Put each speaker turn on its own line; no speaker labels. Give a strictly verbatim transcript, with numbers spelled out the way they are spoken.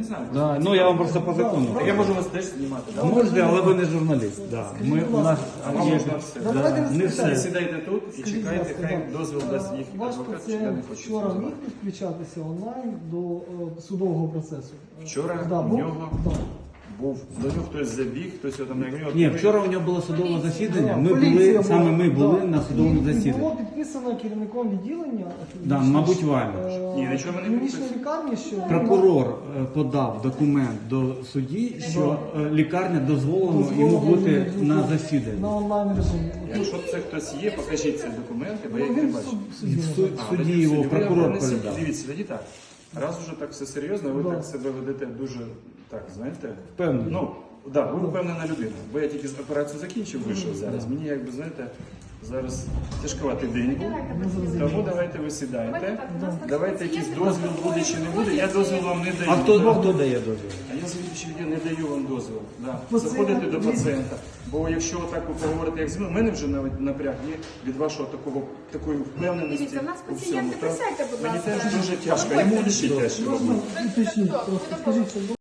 не знаю.
Да, ну я вам просто по закону.
Так я можу вас теж знімати. Да?
Можете, але ви не журналіст. Да. Ми, у нас
А вам
є-
можна все.
да,
Давайте
не
розпочнемо.
все.
Сідайте тут і
Скажіть,
чекайте,
будь ласка,
хай
да.
дозвіл дасть їх
Ваш
адвокат, чи я
пацієнт
не хочу.
вчора
цього
міг
знати.
підключатися онлайн до е, судового процесу?
Вчора
Да,
у
був?
нього
Да.
був, до нього хтось забіг, хтось його там не гнів.
Ні, вчора у нього було судове засідання. Ми
Поліція
були,
була.
саме ми були
Да.
на судовому
І- І
засіданні.
було підписано керівником відділення.
Да, мабуть, вами.
е,
Ні, нічого не
клінічної
підписано.
лікарні, що
Прокурор е, подав документ до судді, що е, лікарня дозволено йому
дозволено
бути
йому
на
бути
засіданні.
на онлайн режимі.
Якщо це хтось є, покажіть ці документи, бо я їх
Ну,
не
він в
бачу.
суд- в суді
І в
може.
суд-
А,
судді
ви
його
судді, ви
прокурор
принесіть.
передав.
Дивіться, тоді так. Раз уже так все серйозно, ви
Да.
так себе ведете дуже, так, знаєте,
Впевнений.
ну, да, ви впевнена людина. Бо я тільки операцію закінчив, вийшов зараз. Мені якби, знаєте, зараз тяжковатий день був. Тому давайте ви сідайте. Давайте якийсь дозвіл буде чи не буде. Я дозвіл вам не даю.
А хто, а хто дає дозвіл?
А я завідуючий відділ не даю вам дозвіл. Да.
Пацієнт-
Заходите до пацієнта. Бо якщо так ви поговорите, як зі мною, в мене вже навіть напряг є від вашого такого такої впевненості.
Дивіться, у нас
у
пацієнти,
всьому, так?
присядьте, будь
Мені
ласка.
теж дуже тяжко. Йому ще тяжче.
Можна уточнити просто. Скажіть, що